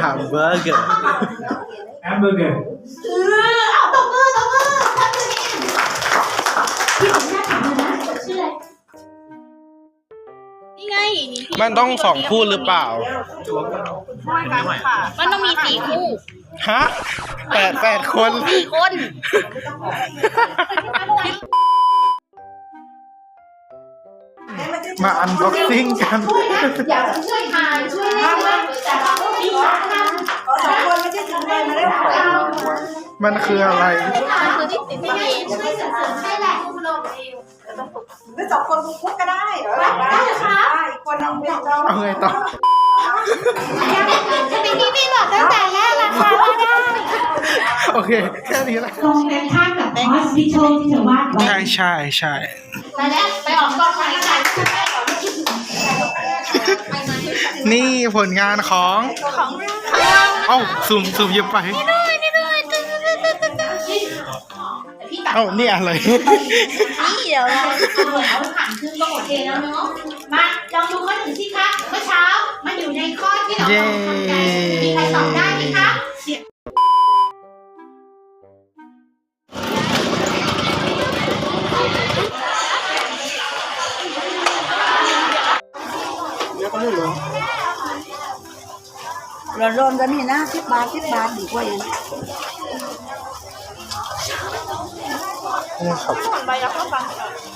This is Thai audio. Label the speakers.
Speaker 1: ฮัมเบอร์เกอร์
Speaker 2: แฮมเบอร์เกอร์
Speaker 3: เอาตบมือทำตัวเองพี่ผมน่าถามเลยนะชื่ออะไรนี่ไง
Speaker 1: มันต้อง2 คู่หรือเปล่า
Speaker 3: มันต้องมี4 คู่
Speaker 1: ฮะ8 คน
Speaker 3: 4 คน
Speaker 1: มาอันบ็อกซิ่งกัน
Speaker 3: อยากจะช่วยทานช่วยเล่นมากแต่เราก็มีสาระ
Speaker 4: 2 คนไม่ใช่ถึงเลยมาได้หลาย
Speaker 1: มันคืออะไร
Speaker 3: มันคือที่ติดไม่ช่วยเสริมให้แหละคุณลงเอง
Speaker 4: หรือ2 คนคุกก็ได้เหรอได้อีกคนนึงเป็นเรา
Speaker 1: เอาไงต่อ
Speaker 3: จะเป็นที่พี่บอกตั้งแต่แรกราคาว่าได้
Speaker 1: โอเค แค่นี้แหละ
Speaker 5: ตรงกันข้ามกับฮอสพิทอลที่เธอวาดไว้
Speaker 1: ใช่
Speaker 3: ไปแล้วไปออกกองถ่ายกัน
Speaker 1: นี่ผลงานของ เอ้าสุ่มหยิบไป เอ้านี่อะไร
Speaker 3: นี่เดี๋ยวเราเอาผ่านขึ้นก็โอเคแล้วเนาะมาลองดูข้อ 1สิคะเมื่อเช้ามันอยู่ในข้อที่เราสนใจมีใครตอบได้ไหมคะ
Speaker 4: ร้อนๆกันนี่นะ10 บาทดีกว่าอย่าง
Speaker 1: นี่ครับ
Speaker 3: ใบรับก็ฟัง